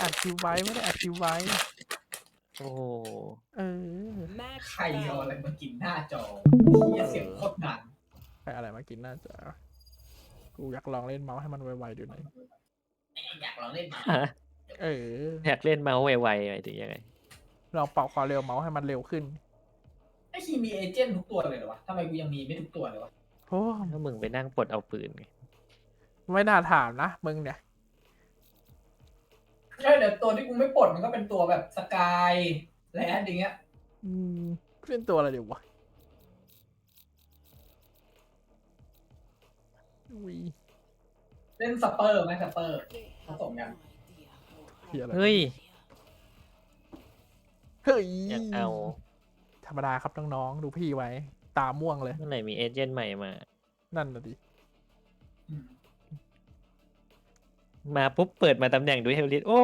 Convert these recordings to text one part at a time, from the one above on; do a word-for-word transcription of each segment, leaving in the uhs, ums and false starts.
อัดคิวไว้ไม่ได้อัดคิวไว้โอ้โหเออใครเอาอะไรมากินหน้าจอเหี้ยเสียงโคตรดังใครอะไรมากินน่าจะกูอยากลองเล่นเมาส์ให้มันไวๆดูหน่อยอยากลองเล่นมาฮะเอออยากเล่นเมาส์ไวๆหมายถึงยังไงลองปรับความเร็วเมาส์ให้มันเร็วขึ้นไอ้คีมีเอเจนต์ทุกตัวเลยเหรอวะทำไมกูยังมีไม่ทุกตัวเลยวะโอ้ถ้ามึงไปนั่งปลดเอาปืนไงไม่น่าถามนะมึงเนี่ยใช่เดี๋ยวตัวที่กูไม่ปลดมันก็เป็นตัวแบบสกายแลนด์อย่างเงี้ยอืมเล่นตัวอะไรดีวะวีเล่นสเปอร์ไหมสเปอร์ผสมกันเฮียอะไรเฮ้ยเฮ้ยอยากเอาธรรมดาครับน้องๆดูพี่ไว้ ตาม่วงเลยเมื่อไหร่มีเอเจนต์ใหม่มานั่นน่ะดิอืมมาปุ๊บเปิดมาตำแหน่งดูเฮลิสโอ้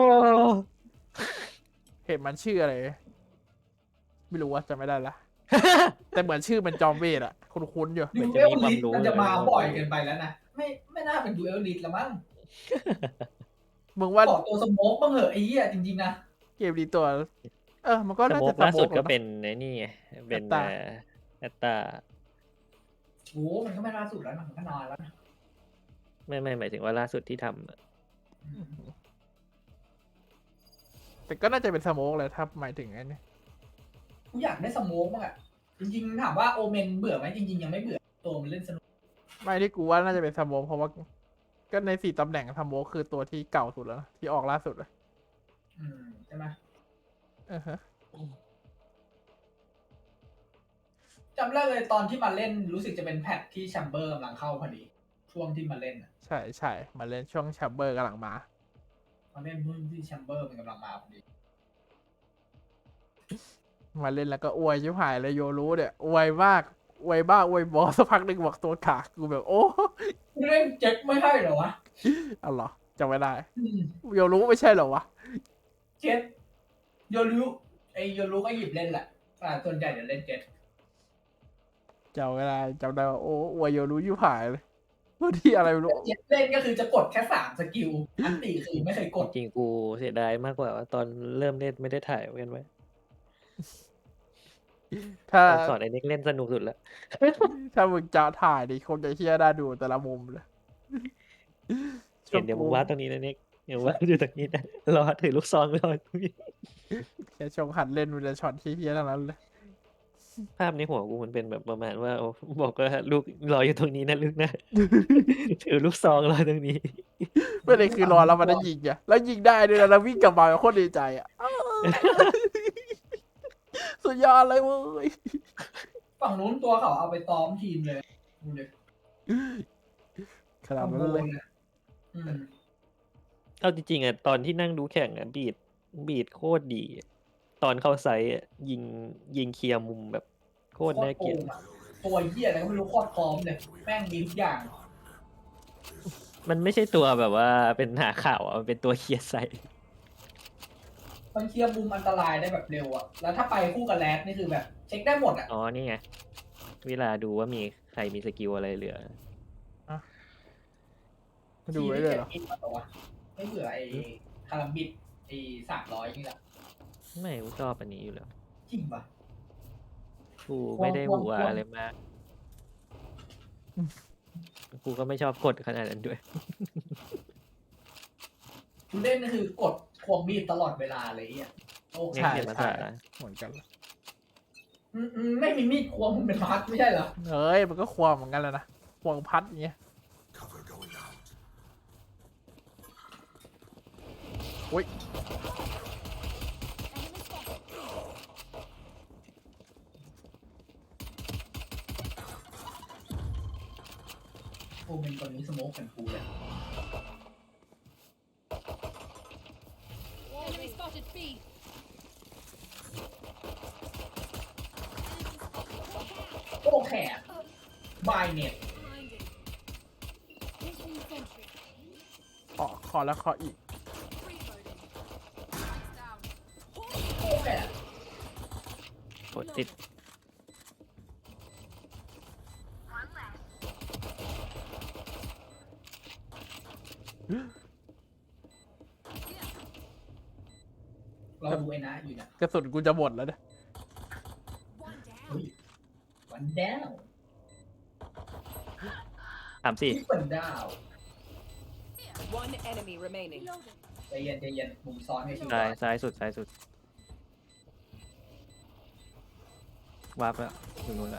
เห็นมันชื่ออะไร ไม่รู้ว่าจำไม่ได้ละ แต่เหมือนชื่อมันจอมเวทอะคุ้นๆอยู่ดูเอลลิสมันจะมาบ่อยเกินไปแล้วนะไม่ไม่น่าเป็นดูเอลลิสละมั้งมึงว่าขอตัวสโมกบ้างเหอะไอ้เหี้ยจริงๆนะเกมดีตัว เออ มันก็สน่าโมจะกล่าสุดสโมก็นะเป็นไอ้นี่ไงเป็นแอตตาแอตตาโอ้มันก็ไม่ล่าสุดแล้วนะมันก็นานแล้วนะไม่ไม่หมายถึงว่าล่าสุดที่ทำอะแต่ก็น่าจะเป็นสโมกเลยถ้าหมายถึงไอ้นี่กูอยากได้สโมกบ้างอะจริงๆถามว่าโอเมนเบื่อไหมจริงๆยังไม่เบื่อตัวมันเล่นสนุกไม่ที่กูว่าน่าจะเป็นสโมกเพราะว่า ก็ในสี่ตำแหน่งสโมกคือตัวที่เก่าสุดแล้วนะที่ออกล่าสุดเลยอืมใช่ไหมอือฮะจำได้เลยตอนที่มาเล่นรู้สึกจะเป็นแพทที่แชมเบอร์กำลังเข้าพอดี ช่วงที่มาเล่นอะใช่ใช่มาเล่นช่วงแชมเบอร์กำลังมามาเล่นรุ่นที่แชมเบอร์มันกำลังมาพอดีมาเล่นแล้วก็อวยชิบหายเลยโยรู้เนี่ยอวยมากอวยบ้าอวยบอสักพักหนึ่งบอกตัวขาดกูแบบโอ้กูเล่นเจ็คไม่ใช่เหรอวะเอาเหรอจำไม่ได้อืมโยรู้ไม่ใช่เหรอวะเจ็คโยรุไอโยรุก็หยิบเล่นแหละอ่าส่วนใหญ่จะเล่นเจ็คจำไม่ได้จำได้ว่าโอ้อวยโยรู้ชิบหายเลยพูดที่อะไรไม่รู้เจ็คเล่นก็คือจะกดแค่สามสกิลอันตีคือไม่เคยกดจริงๆกูเสียดายมากกว่าว่าตอนเริ่มเล่นไม่ได้ถ่ายไว้กันไว้ถ้าตอนสอนไอ้เน็กเล่นสนุกสุดแล้วถ้ามึงจะถ่ายดิคงจะเชี่ยได้ดูแต่ละมุมเลยเห็นเดี๋ยวมึงวาดตรงนี้นะเน็กเดี๋ยววาดอยู่ตรงนี้นะรอถือลูกซองรอตรงนี้แค่ชงหัดเล่นมันจะช็อตที่เฮี้ยๆทั้งนั้นเลยภาพในหัวกูมันเป็นแบบประมาณว่าโอ้บอกว่าลูกรออยู่ตรงนี้นะลูกนะ ถือลูกซองรอตรงนี้ไม่ได้คือรอแล้วมันได้ยิงอ่ะแล้วยิงได้ด้วยนะแล้ววิ่งกลับมาโคตรดีใจอ่ะ สุดยอดเลยเว้ยฝั่งนู้นตัวเขาเอาไปซ้อมทีมเลยดูเลยขนาดนั้นเลยอืมเอาจริงๆอ่ะตอนที่นั่งดูแข่งอ่ะบีดบีดโคตรดี ตอนเข้าไซส์อ่ะยิงยิงเคลียร์มุมแบบโคตรน่าเกลียดตัวเหี้ยอะไรก็ไม่รู้โคตรพร้อมเลยแม่งมีทุกอย่างมันไม่ใช่ตัวแบบว่าเป็นหาข่าวอ่ะมันเป็นตัวเคลียร์ไซส์มันเคลียร์มุมอันตรายได้แบบเร็วอะแล้วถ้าไปคู่กับแรดนี่คือแบบ เช็คได้หมดอะอ๋อนี่ไงเวลาดูว่ามีใครมีสกิลอะไรเหลือมาดูไว้เลยเหรอทีที่จ็ดอินมาตัววะไม่เบื่อไอ้คารัมบิดไอ้สามร้อยนี่แหละไม่กูชอบอันนี้อยู่แล้วจริงปะกูไม่ได้ควรหัวควรอะไรมาก กูก็ไม่ชอบกดขนาดนั้นด้วยคุณเล่นนี่คือกดควงมีดตลอดเวลาเลยอ่ะโอ้เนี่ยใช่เขียนมาใช่สาเหมือนกันเลยอืมอืมไม่มีมีดควงมันเป็นพัดไม่ใช่เหรอเอ้ยมันก็ควงเหมือนกันแหล้วนะควงพัดอย่างเงี้ย Cover going out. อุ้ยโอ้เป็นคนนี้สโมกเป็นกูเลย Enemy spotted B. โอ้แขกบายเน็ต Blinded. Placing sentry. ขอขอแล้วขออีก Reloading. Lights down. โอ้แขกกดติดเราดูไอ้นะอยู่นะกระสุนกูจะหมดแล้วเนี่ย One down. เฮ้ยวันดาวสามสี่ที่วันดาว One enemy remaining. Reloading. ใจเย็นใจเย็นมุมซ้อนไม่ชิวซ้ายซ้ายสุดซ้ายสุดวาร์ปแล้วอยู่นู้นละ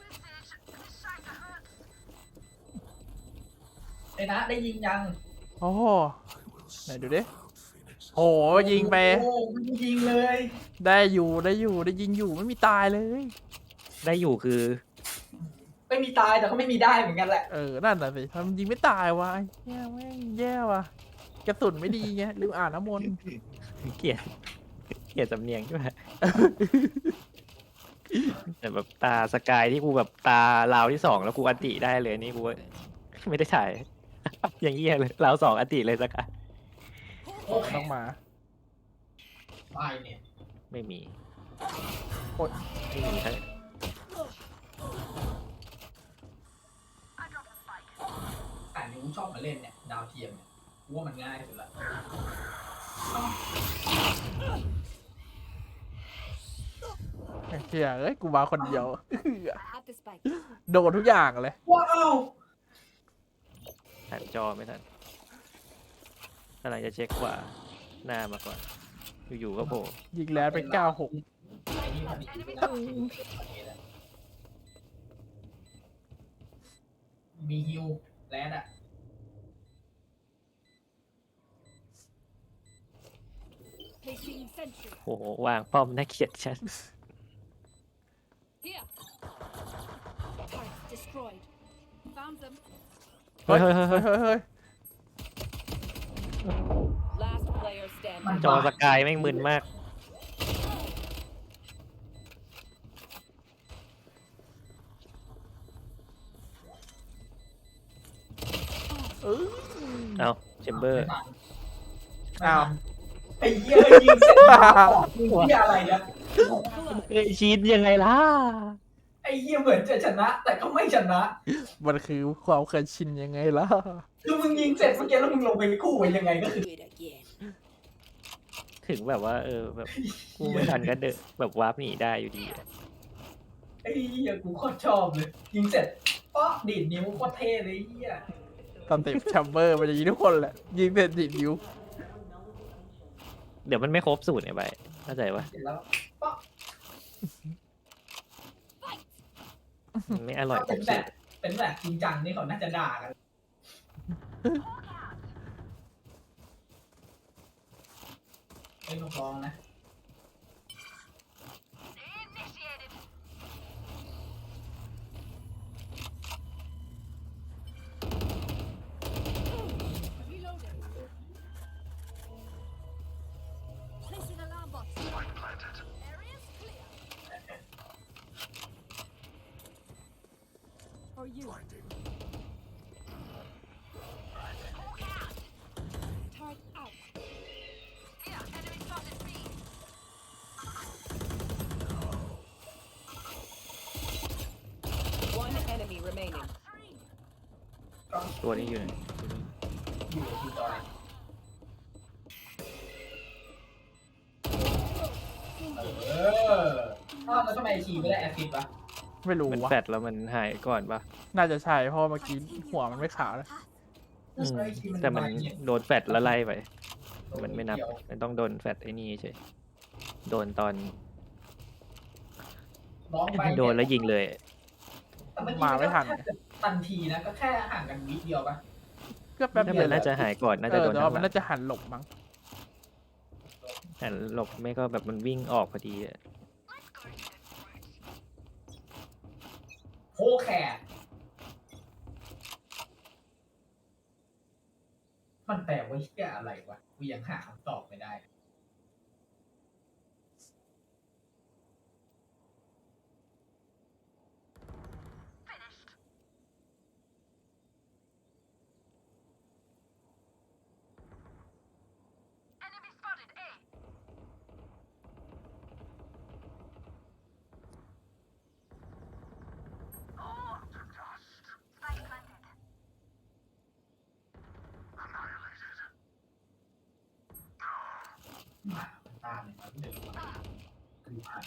ไอ้นะได้ยิงยังโอ้โหไหนดูดิโหยิงไปโอ้ไม่ได้ยิงเลยได้อยู่ได้อยู่ได้ยิงอยู่ไม่มีตายเลยได้อยู่คือไม่มีตายแต่ก็ไม่มีได้เหมือนกันแหละเออนั่นน่ะสิทำยิงไม่ตายวะแย่แม่งแย่ว่ะกระสุนไม่ดีไงลืมอ่านน้ำมนต์เกลียดเกลียดสำเนียงด้วยแต่แบบตาสกายที่กูแบบตาลาวที่สองแล้วกูอันติได้เลยนี่กูไม่ได้ถ่าย อย่างเงี้ยเลยลาวสองอันติเลยสกายโอเคต้องมาตายเนี่ยไม่มีโอ๊ยไม่มีใช่แต่นี้กูชอบมาเล่นเนี่ยดาวเทียมเนี่ยกูว่ามันง่ายสุดละเฮียเอ้ยกูมาคนเดียว At the spike. โดนทุกอย่างเลยว้าวถ่ายจอไม่ทันกำลังจะเช็คขวาหน้ามาก่อนอยู่ๆก็โผล่ยิงแล้วเป็นเก้าหกไอ้นี่พอดีนะมีฮิวแลนด์อะ Placing sentry. โอ้โหวางป้อมน่าเกลียดชัด Here. Turret destroyed. Found them. เฮ้ยเฮ้ยเฮ้ยเฮ้ยเฮ้ยเฮ้ย Last player standing. จอสกายแม่งมึนมากเออเอาแชมเบอร์อ้าวไอ้เหี้ยยิงเสร็จแล้วออกยิงเหี้ยอะไรเนี่ยเอ้ยชีนยังไงล่ะไอ้เหี้ยเหมือนจะชนะ แต่ก็ไม่ชนะมันคือความเคยชินยังไงล่ะคือมึงยิงเสร็จเมื่อกี้แล้วมึงลงไปกู้ไว้ยังไงก็คือ Do it again. ถึงแบบว่า เออแบบกูไม่ทันก็เดอะแบบวาร์ปหนีได้อยู่ดีอะไอ้เหี้ยกูโคตรชอบเลย ยิงเสร็จป๊อกดีดนิ้วโคตรเท่เลยไอ้เหี้ยตอนติดแชมเบอร์มันจะยิงทุกคนแหละ ยิงเสร็จดินิ้วเดี๋ยวมันไม่ครบสูตรไงไปเข้าใจปะเสร็จแล้วป๊อกมันไม่อร่อยครเป็นบแบสูบตรเป็นแบบจริงจังนี่เขาน่าจะด่ากันไอ้ลูกลองนะ Reloading. Placing alarm bot. Area's clear. For you. Turret out. One enemy remaining. ตัวนี้อยู่ไหนอยู่ที่จอยเอออ้าวแล้วทำไมทีไม่ได้แอสซิสต์วะไม่รู้มันวะแฟดแล้วมันหายก่อนปะน่าจะใช่เพราะเมื่อกี้หัวมันไม่ขาวเลยอืมแต่มันโดนแฟดแล้วไล่ไป มันไม่นับ มันต้องโดนแฟดไอ้นี่ใช่ โดนตอนน้องไปโดนแล้วยิงเลยแต่เอกี้มาไม่ทันก็แค่ทันทีนะก็แค่ห่างกันวิเดียวปะก็แป๊บถ้าเดีมัยนวน่าจะหายก่อนน่าเอจะอโดนแต่ทาว่างหมันลังน่าจะหันหลบมั้งแต่หลบไม่ก็แบบมันวิ่งออกพอดีอะโคแคร์มันแปลว่าเหี้ยอะไรวะกูยังหาคำตอบไม่ได้ ตตามเนี่ยมันเดินมาคือผ่าน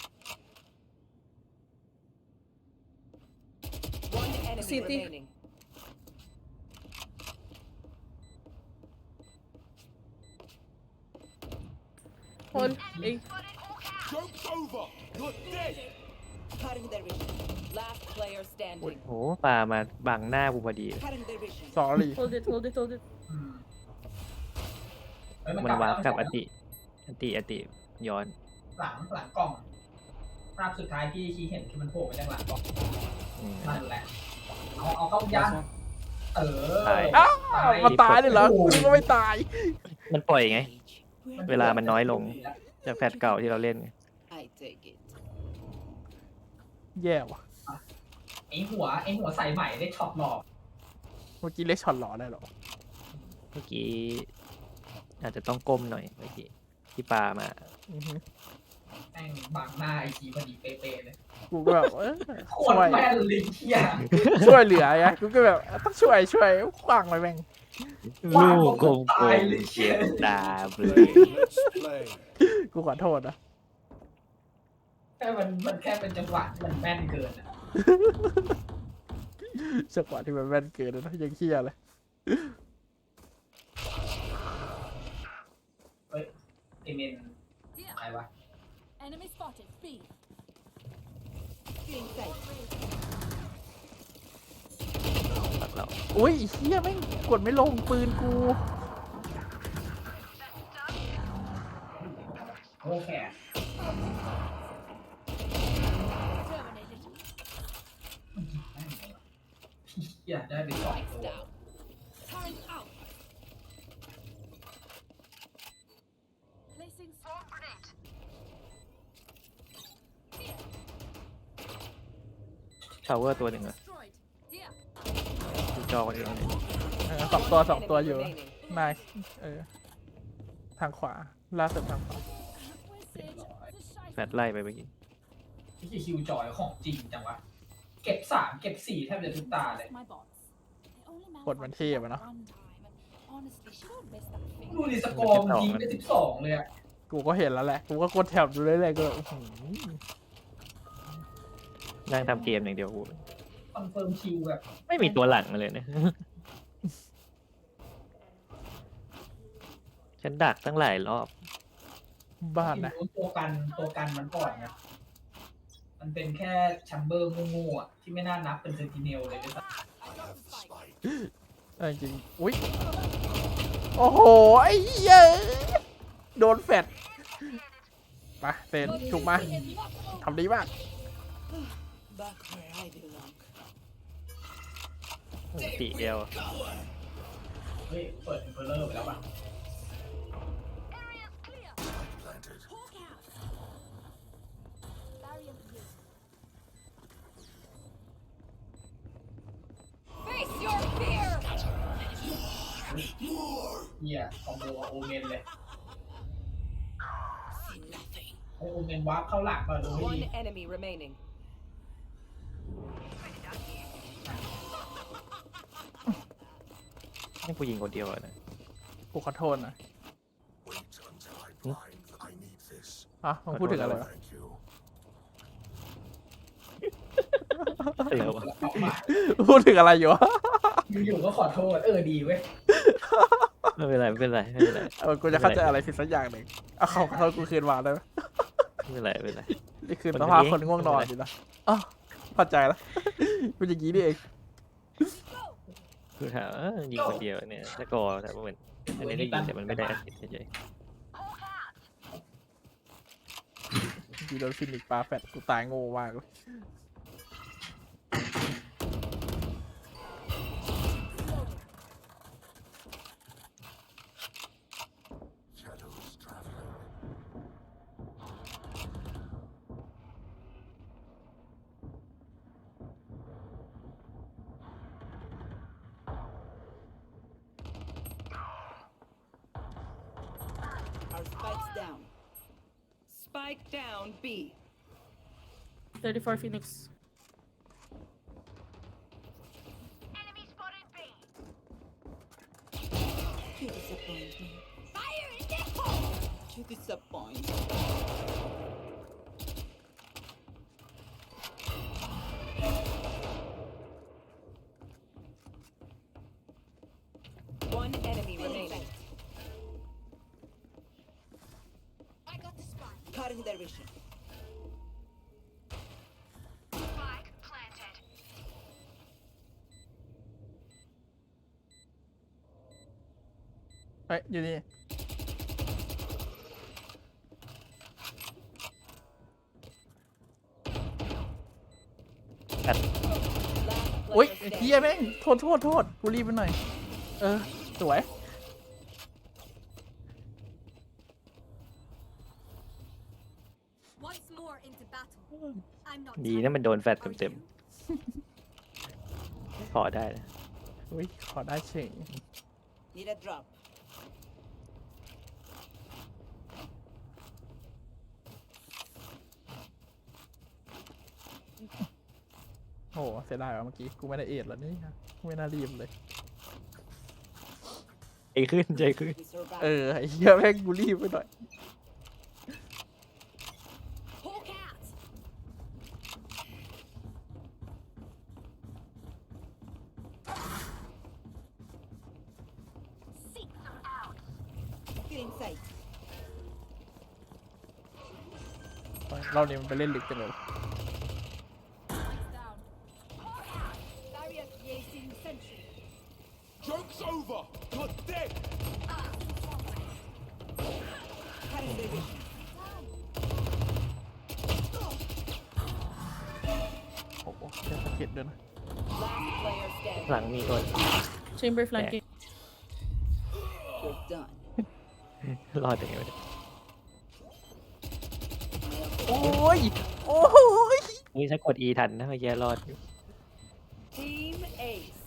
One enemy City. remaining. คนเอ้ย Joke's over! You're dead! Cutting their vision. Last player standing. โหปลามาบังหน้ากูพอดี Cutting their vision. สอรี่ hold it hold it hold it อืมเฮ้ยมันวาร์ปกับหอลังติอติอติย้อนหลังหลังกล่องภาพสุดท้ายที่ชี้เห็นคือมันโผล่มาจากหลังกล่องอืมนั่นแหละเอาเอาเข้ายันเออตายอ้าวมันตายเลยเหรอกูก็ไม่ตายมันปล่อยไง We're เวลามันน้อยลง จากแพทเก่าที่เราเล่นไง I take it. แย่ว่ะไอหัวไอหัวใส่ใหม่ได้ช็อตหลอกเมื่อกี้เล็กช็อตหล่อได้เหรอเมื่อกี้อาจจะต้องก้มหน่อยเมื่อกี้ที่ปลามาอือฮึแม่งบังหน้าไอจีพอดีเป๊ะๆเลยกูก็แบบเออโคช่ตวรยแม่นลิงเทียช่วยเหลือไงกูก็แบบต้องช่วยช่วยขวางไปแม่งลูกกลมๆเจ็บตาเลย Let's play. กูขอโทษนะแค่มันมันแค่เป็นจังหวะที่มันแม่นเกินอะจังหวะที่มันแม่นเกินนะยังเคี้ยเลยเฮ้ยไอเมนใครวะ Enemy spotted. B. Feeling safe. ปักเราอุ้ยไอ้เฮียแม่งกดไม่ลงปืนกูโอ้แค่ Terminated. อยากได้ไปสอง Lights ตัว down. Turret out. Placing swarm grenade. ชาวเวอร์ตัวหนึ่งเหรอ Destroyed. Here. ดูจอคนอื่นเลยเออสองตัวสอง Enemy ตัวอยู่ remaining. นายเออทางขวาล่าสุดทางขวา Where's Sage? It's a shy แฟดไล่ไปเมื่อกี้ที่คิวจอยของจริงจังวะ เก็บสามเก็บสี่แทบจะทุกตาเลย my bots. They only กดมันเท่อะเนาะ one time, and honestly, she don't miss that thing. ดูดิสกอร์มนยิงไปสิบสองเลยอะกูก็เห็นแล้วแหละ กูก็กดแถบดูเรื่อยๆก็แบบอื้อหือนั่งทำเกมอย่างเดียวกูคอนเฟิร์มคิวแบบไม่มีตัวหลังมาเลยเนี่ย ฉันดักตั้งหลายรอบบ้านนะที่รู้ตัวกันตัวกันมันก่อนไงมันเป็นแค่แชมเบอร์งูๆอ่ะที่ไม่น่านับเป็นเซนติเนลเลยด้วยซ้ I have the spike. เออจริงอุ้ยโอ้โห ไอ้เหี้ยโดนแฟดไปเซนถูกมาทำดีมาก Back where I belong. ตีเดียวำเฮ้ยเปิดอินเฟอร์เลอร์ไปแล้วป่ะ Planted. Hawk out. Barrier here. Face your fear. เฮียคอมโบกับโอเมนเลย See nothing. ไอโอเมนวาร์ปเข้าหลักมาดูให้ One ดี enemy remaining. นี่ผู้หญิงคนเดียวอะนะกูขอโทษนะ Wait until I blind. I need this. อ่ะมึงพูดถึงอะไรวะ Thank you. เดี๋ยวอะออกมาพูดถึงอะไรอยู่วะอยู่ๆก็ขอโทษ เออดีเว้ยไม่เป็นไรไม่เป็นไรไม่เป็นไรเออกูจะเข้าใจอะไรผิดสักอย่างหนึ่งเอาเขาขอโทษกูคืนมาได้ไหมไม่เป็นไรไม่เป็นไรนี่คือคนสภาพนี้คนง่วงนอนอยู่นะอ๋อเข้าใจแล้วเป็นอย่างนี้นี่เองคือถามเอ้อยิงคนเดียวเนี่ยสกอร์แต่ว่ามันอันนี้ได้ยิงแต่มันไม่ได้แอสซิสต์เฉยยีโดนฟินิกปลาแฟดกูตายโง่มากเลย Shadows traveling. Our spikes down. Spike down B. thirty-four Phoenix You disappoint me. Fire in the hole! You disappoint. One enemy remaining. I got the spot. Cutting their vision. Spike planted. เฮ้ยอยู่นี่ Last อุ้ย player เฮีย standing. แม่งโทษโทษโทษกูรีบไปหน่อย เออ สวย Once more into battle. I'm not ดีนะมันโดนแฟดเต็มๆพอได้นะอุ้ย ขอได้เฉย Need a drop. โอ้โหเสียดายว่ะเมื่อกี้ กูไม่ได้เอ็ดแล้วนี่ฮะไม่น่ารีบเลยใจขึ้นใจขึ้น We survive. เออไอ้เฮียแม่งกูรีบไปหน่อย Hawk out. Seek them out. Get inside. เราเนี่ยมันไปเล่นลึกจังเลย Lights down. Hawk out. Barrier creating sentry. Joke's over. You're dead. Cutting their vision. โอ้โหแค่สะเก็ดด้วยนะ Last player standing. หลังมีคน Chamber flanking. You're done. รอดยังไงวะเนี่ยโอ้ย โอ้ยอุ้ยถ้ากด E ทันนะเมื่อกี้รอดอยู่ Team Ace.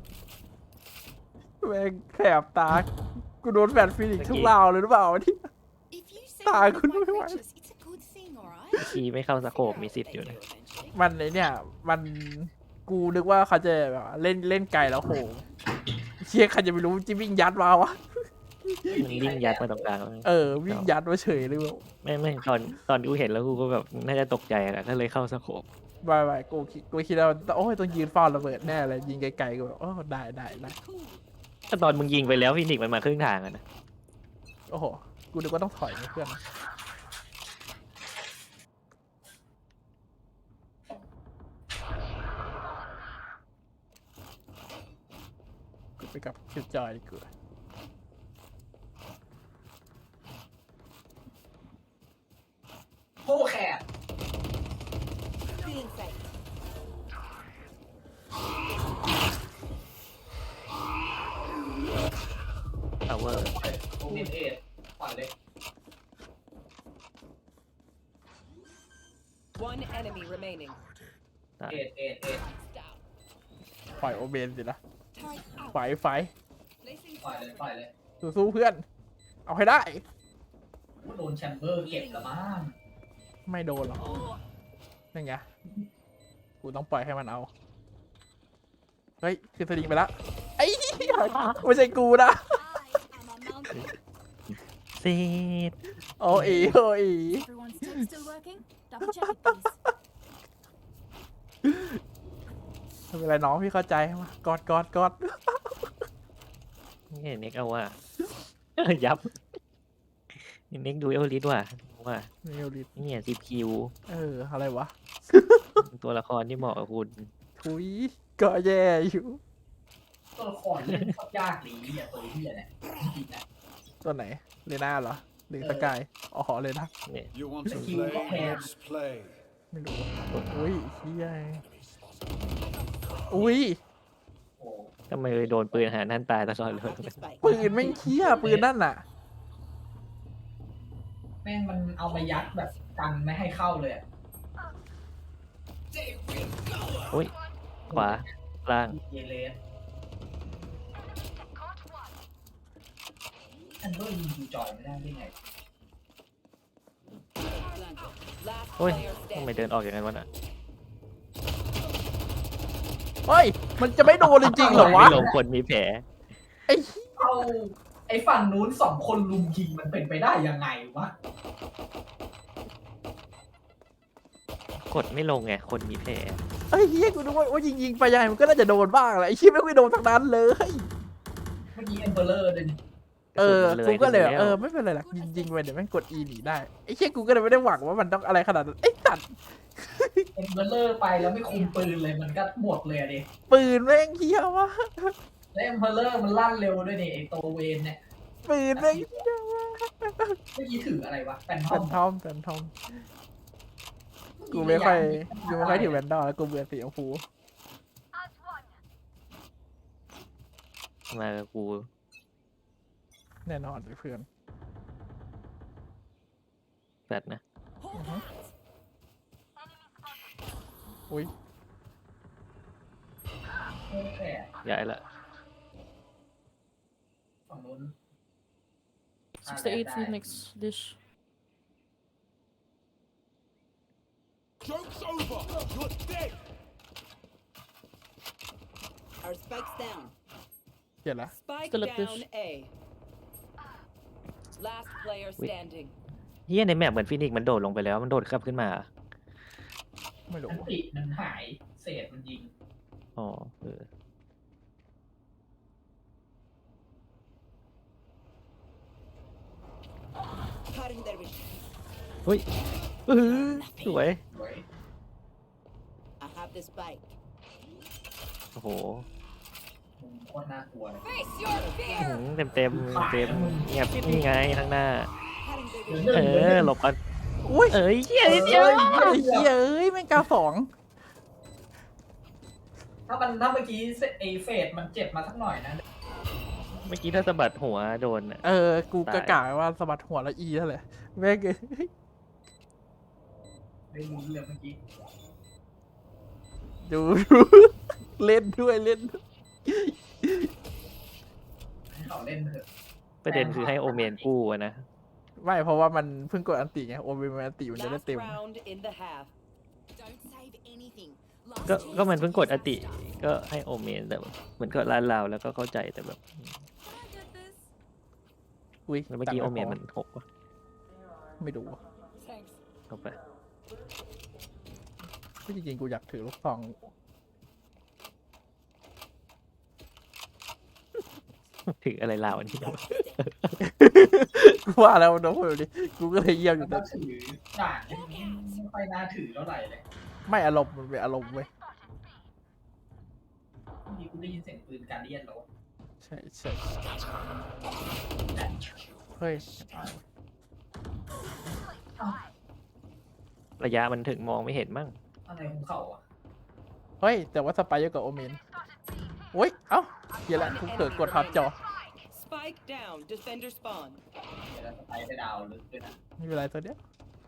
แม่งแสบตา กูโดนแฟนฟินิกซ์ทุกราวเลยหรือเปล่าที่ If you say Ah, one of good my boy. creatures, it's a good thing, alright? เมื่อกี้ไม่เข้าสโคปมีสิทธิ์อยู่นะมันไอเนี่ย มัน กูนึกว่าเขาจะแบบว่าเล่นเล่นไกลแล้วโหเชี่ยใครจะไปรู้จิวิ่งยัดมาวะมันวิ่งยัดมาตรงกลางแล้วเออ วิ่งยัดมาเฉยเลยเว่าไม่ไม่ตอนตอนกูเห็นแล้วกูก็แบบน่าจะตกใจแหละก็เลยเข้าสโคปบายบายกูคิดกูคิดว่าโอ้ยต้องยืนเฝ้าระเบิดแน่เลยยิงไกลๆกูแบบโอ้ได้ได้ได้ก็ตอนมึงยิงไปแล้วฟินิกซ์มันมาครึ่งทางอะนะโอ้โห กูนึกว่าต้องถอยนะเพื่อนกูไปกับคิวจอยดีกว่าโฮแคด Get inside. พาวเวอร์เน้นเอ็ดปล่อยเลย One enemy remaining. เอ็ดเอ็ดเอ็ด Down. ปล่อยโอเบนสินะ Turret out. ไฟไฟ Placing ปล่อยเลยปล่อยเลยสู้ๆเพื่อน เอาให้ได้โดนแชมเบอร์เก็บละมั้งไม่โดนหรอกนั่นไง กูต้องปล่อยให้มันเอา เฮ้ย คือสลิงไปแล้วไอ้เหี้ยไม่ใช่กูนะ I am a mountain. เซ็ตโอ้อีโอ้อี Everyone's tech still working? Double check it, please. ไม่เป็นไรน้องพี่เข้าใจมากอดกอดกอดนี่เน็กเอาว่า ยับเน็กดูเอลลิสว่ะว่าเนลลิตเนี่ยสิบคิวเออ อะไรวะตัวละครที่เหมาะกับคุณทุยก็แย่อยู่ตัวละครเล่นโคตรยากดีอ่ะตัวเหี้ยเนี่ยจริงๆนะตัวไหน เลน่าเหรอ หรือสกาย อ๋อเลยนะเนี่ย You want to Thank you. play? Let's play. ไม่รู้อุ้ยเฮียอุ้ยโอ้ทำไมเลยโดนปืนหานั่นตายตลอดเลย Have the spike. ปืนไม่งเคี้ยปืนนั่นน่ะแม่งมันเอามายัดแบบกันไม่ให้เข้าเลยอะอุ้ย ขวา ล่างเยเลสแชมเบอร์ยิงดูจอยไม่ได้ได้ไง Last โอ้ย player ทำไม standing. เดินออกอย่างนั้นวะน่ะเฮ้ย มันจะไม่โดนจริงๆเหรอวะไม่ลงคนมีแผลไอ้เอาไอไอ้ฝั่งนู้นสองคนลุมยิงมันเป็นไปได้ยังไงวะกดไม่ลงไงคนมีแผลไอ้เหี้ยกูนึกว่าว่ายิงยิงๆไปยังไงมันก็น่าจะโดนบ้างแหละไอ้เหี้ยไม่ไม่โดนทั้งนั้นเลยเมื่อกี้เอ็มเบอร์เลอร์เลยนี่เออระกูสุนก็มันเลยแวเออไม่เป็นไรหรอกยิงยิงไปเดี๋ยวแม่งกด E หนีได้ไอ้เหี้ยกูก็เลยไม่ได้หวังว่ามันต้องอะไรขนาดนั้นไอ้ตัดเอ็มเบอร์เลอร์ไปแล้วไม่คุมปืนเลยมันก็หมดเลยอะดิปืนแม่งเหี้ยวะแล้วเอ็มเบอร์เลอร์มันลั่นเร็วด้วยนี่ไอ้โตเวนเนี่ยปืนแม่งเหี้ยวะเมื่อกี้ถืออะไรวะแฟนทแฟอมนทอมแฟนทอมกูไม่ค่อยกูไม่ค่อยถือแวนดอลแล้วกูเบื่อสีชมพูมากับกูแน่นอนเลยเพื่อนแฟดนะอุ้ยแค่ย้ายละฝั่งนู้น sixty-eight Phoenix dish. Joke's over! You're dead! Our spike's down. เห็นละ Spike Still up down dish. A. Last player standing. เฮียในแมปเหมือนฟินิกซ์มันโดดลงไปแล้วมันโดดขับขึ้นมาไม่รู้อันติมันหายเศษมันยิงอ๋อเออ Cutting their vision. เฮ้ยอื้อหือสวยไว้ I have the spike. โอ้โหมึงโคตรน่ากลัวเลย Face your เต็มเต็มเต็มเงียบนี่ไงข้างหน้า Cutting their เหลือ vision. หนึ่งเอเหลือหอนึ่งหลบกันอุ้ยเอ้ยเฮียนิดเดียวไอ้เหี้ยเอ้ยแม่งกาสองถ้ามันถ้าเมื่อกี้ไอเฟดมันเจ็บมาสักหน่อยนะเมื่อกี้ถ้าสะบัดหัวโดนอะเออกูกะตายกะว่าสะบัดหัวแล้วอีเท่าไหร่แม่งเอ้ยได้ลุ้นเลยเมื่อกี้ดูดู เล่นด้วยเล่นด้วยให้เขาเล่นเถอะประเด็นคือให้โอเมนกู้อะนะไม่เพราะว่ามันเพิ่งกดอันติไงโอเวอร์อันติมันจะได้ Last เต็ม round in the half. Don't save anything. ก็ก็มันเพิ่งกดอติ ก็ให้โอเมนแต่แบบเหมือนก็ลานลาวแล้วก็เข้าใจแต่แบบอุ้ยแล้วเมื่อกี้โอเมนมันหกวะไม่ดู Thanks. เข้าไปจริงๆกูอยากถือลูกซองถืออะไรลาวอันนี้กูว่าแล้วน้องคนนี้กูก็เลยเยี่ยมอยู่ก็แต่ถือด่านนี้ไม่ค่อยน่าถือเท่าไหร่เลยไม่อารมณ์มันเป็นอารมณ์เว้ยเมื่อกี้กูได้ยินเสียงปืนการเดียนแล้วใช่ใช่เฮ้ยระยะมันถึงมองไม่เห็นมั่งอะไรของเขาอ่ะเฮ้ยแต่ว่าสไปเยอะกว่าโอเมนโอ้ยเอ้าเหี้ยละกูเกิดกดทับจอ Spike down. Defender spawn. เดี๋ยวเราจะไปไปดาวลึกด้วยนะไม่เป็นไรตัวเนี้ย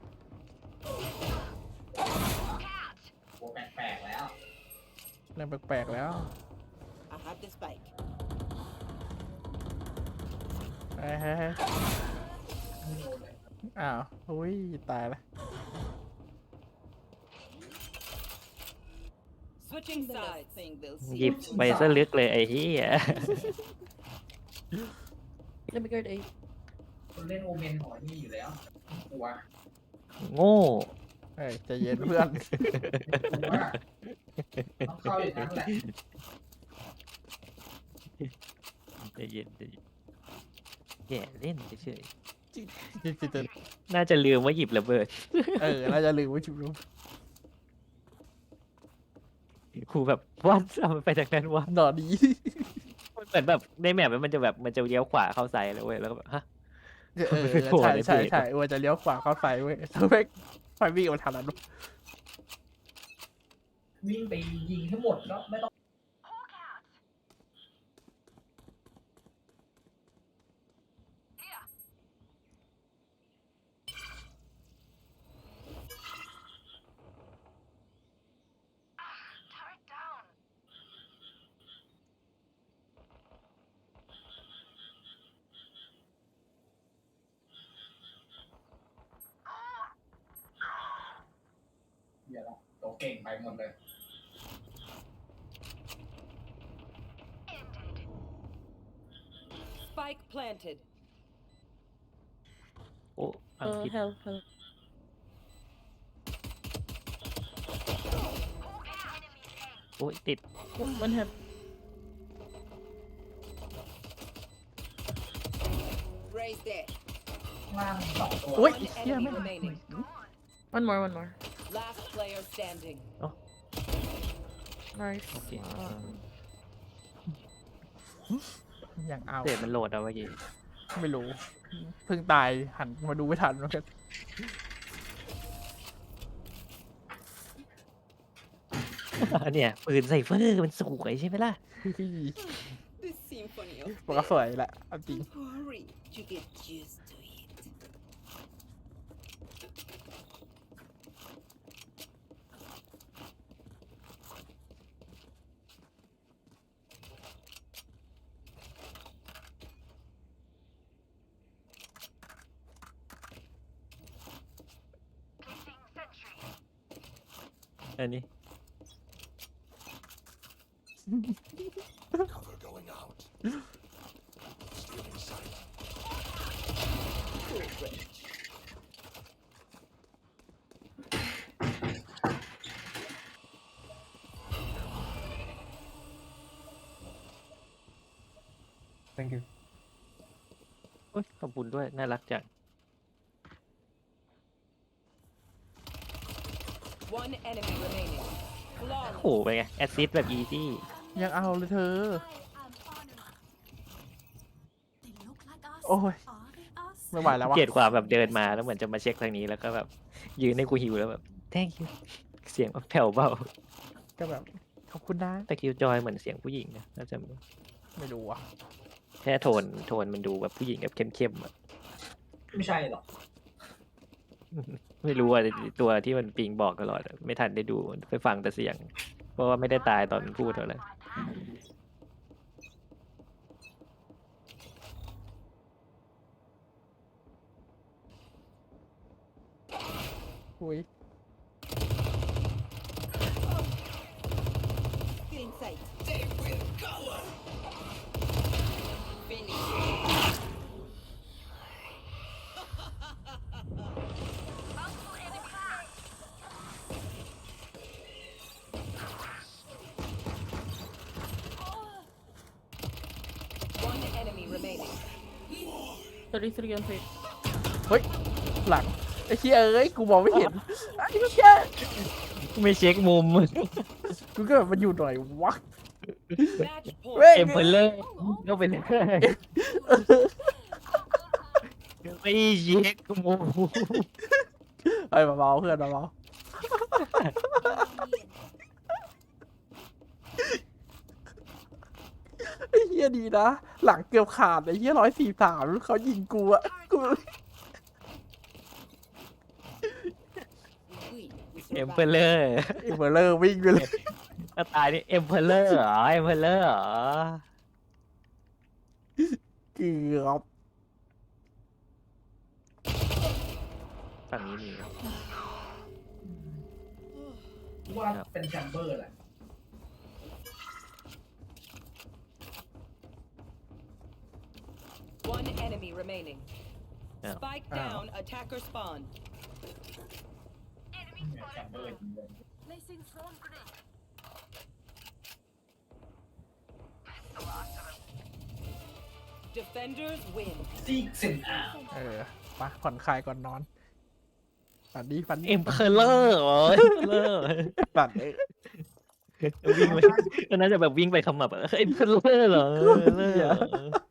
โอ้แปลกๆแล้วเรื่องแปลกๆแล้ว I have the spike. เฮ้ยเฮ้ยเฮ้ยไม่โดนเลยอ้าวอุ้ยตายละ Switching The last sides. thing they'll หยิ see. บไปซะลึกเลยไอ้เหี้ย Let me guard A. คนเล่นโอเมนหอยนี่อยู่แล้วกลัวโง่เฮ้ยใจเย็นเพื่อนกลัวต้องเข้าอย่างนั้นแหละใจเย็นใจเย็นแย่เล่นเฉยจริงๆจะๆน่าจะลืมว่าหยิบระเบิดเออน่าจะลืมว่าชุบครูแบบวันเอามันไปจากนั้นวะหนอดีมันเหมือนแบบในแมปมันจะแบบมันจะเลี้ยวขวาเข้าซ้ายเลยเว้ยแล้วก็แบบฮะเออใช่ใช่ใช่ว่าจะเลี้ยวขวาเข้าไฟเว้ยแล้วแม่งไฟวิ่งมาทางนั้นวิ่งไปยิงให้หมดแล้วไม่ต้อง เดี๋ยวละตัวเก่งไปหมดเลย Spike Spike planted. โอ้อัง Uh, กฤษ help, help. โอ้ยติด Oh, one help. Raise there. ล่างสองตัวอุ้ย One เหี้ย enemy ไม่ง remaining. One more, one more. Last player standing. Nice. Okay. Um, อย่างเอาเศษมันโหลดเอาเมื่อกี้ไม่รู้ เพิ่งตายหันมาดูไม่ทันเหมือนกันเนี่ยปืนไซเฟอร์มันสวยใช่ไหมล่ะ The symphony of มันก็สวยแหละเอาจริง hurry to get used to it. Sentry. อันนี้ Cover going out. Still in sight. thank you โอ้ยขอบคุณด้วย น่ารักจัง One enemy remaining. โอ้ Flawless. โหเป็นไง แอสซิสแบบอีซี่ยังเอาเลยเธอ I am honored. They look like us. โอ้ย Are they us? ไม่ไหวแล้ววะเกลียดความแบบเดินมาแล้วเหมือนจะมาเช็คทางนี้แล้วก็แบบยืนให้กูหิวแล้วแบบ thank you เสียงแบบแผ่วเบาก็แบบขอบคุณนะแต่คิวจอยเหมือนเสียงผู้หญิงนะน่าจะไม่รู้อ่ะแค่โทนโทนมันดูแบบผู้หญิงแบบเข้มๆอะไม่ใช่หรอกไม่รู้ว่าตัวที่มันปิงบอกตลอดอะไม่ทันได้ดูไปฟังแต่เสียง เพราะว่าไม่ได้ตายตอนมันพูดเท่าไหร่อุ้ย Get in sight. They will cover. Finish. One enemy remaining. thirty-three on fate. เฮ้ย หลัง ไอ้เชี่ยเอ้ย กูมองไม่เห็นไอ้เชี่ยไม่เช็คมุมกูก็แบบมันอยู่หน่อยวะ Match point. เว้ยเอ็มเพลเลอร์ก็เป็นไม่เช็คมุมเฮ้ยเบาๆเพื่อนเบาๆไอ้เฮียดีนะ หลังเกือบขาดไอ้เฮียร้อยสี่สามเขายิงกูอะกู We, we เอ็ม survive. เพลเลอร์ไอ้เบอร์เลอร์วิ่งไปเลยถ้าตายนี่เอ็มเพลเลอร์เหรอเอ็มเพลเลอร์เหรอเกือบฝั่งนี้มีว่าเป็นแชมเบอร์แหละ One enemy remaining. Yeah. Spike Ow. down. Attacker spawn. เนี่ยแชมเบอร์จริงเลย Placing swarm grenade. Defenders win. ซีกสินอาเออไปผ่อนคลายก่อนนอน ฝันดีฝันดีเอ็มเพลเลอร์เหรอเอ็มเพลเลอร์ฝันเออวิ่งไปก็น่าจะแบบวิ่งไปขมับอะเอ็มเพลเลอร์เหรอเอ็มเพลเลอร์เหรอ